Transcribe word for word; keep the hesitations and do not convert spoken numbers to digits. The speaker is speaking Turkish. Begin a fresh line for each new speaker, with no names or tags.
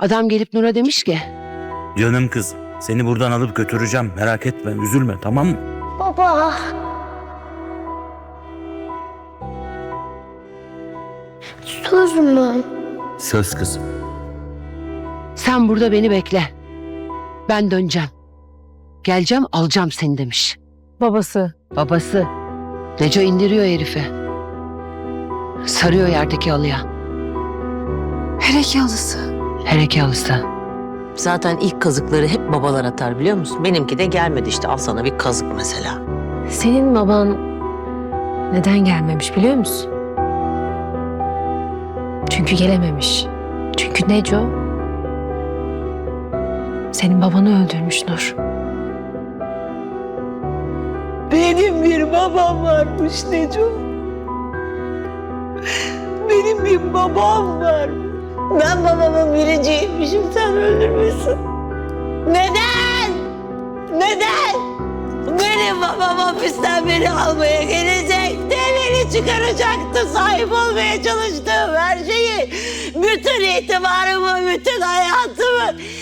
Adam gelip Nur'a demiş ki,
Canım kız, seni buradan alıp götüreceğim. Merak etme, üzülme, tamam mı?
Baba. Söz mü?
Söz kızım.
sen burada beni bekle. Ben döneceğim. Geleceğim, alacağım seni demiş.
Babası.
Babası. Neco indiriyor herifi. Sarıyor yerdeki halıya.
Hereke halısı.
Hereke halısı.
Zaten ilk kazıkları hep babalar atar biliyor musun? Benimki de gelmedi işte, al sana bir kazık mesela.
Senin baban neden gelmemiş biliyor musun? Çünkü gelememiş. Çünkü Neco senin babanı öldürmüş Nur.
Benim bir babam varmış Neco. Benim bir babam var. Ben babamın biriciymişim, sen öldürmüşsün. Neden? Neden? Benim babam hapisten beni almaya gelecekti, beni çıkaracaktı, sahip olmaya çalıştığım her şeyi, bütün itibarımı, bütün hayatımı